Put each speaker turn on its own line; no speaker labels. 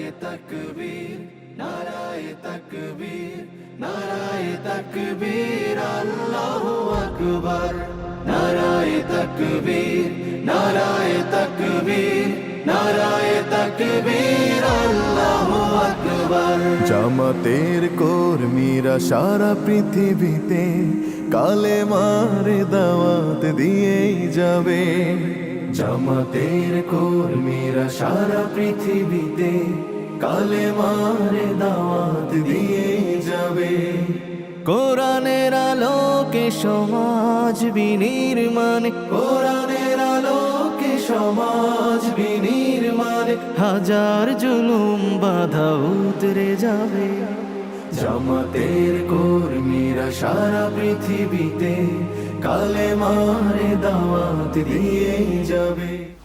নারায়ে তাকবীর, নারায়ে তাকবীর, নারায়ে তাকবীর, আল্লাহু আকবার। নারায়ে তাকবীর, নারায়ে তাকবীর, নারায়ে তাকবীর, আল্লাহু আকবার।
জামাতের কর্মীরা সারা পৃথিবীতে কালেমার দাওয়াত দিয়েই যাবে।
জামাতের কর্মীরা সারা পৃথিবীতে কালেমার দাওয়াত দিয়ে যাবে।
কোরআনের আলোকে সমাজ বিনির্মাণ,
কোরআনের আলোকে সমাজ বিনির্মাণ,
হাজার জুলুম বাধা উতরে যাবে।
জামাতের কর্মীরা সারা পৃথিবীতে কালেমার দাওয়াত দিয়ে যাবে।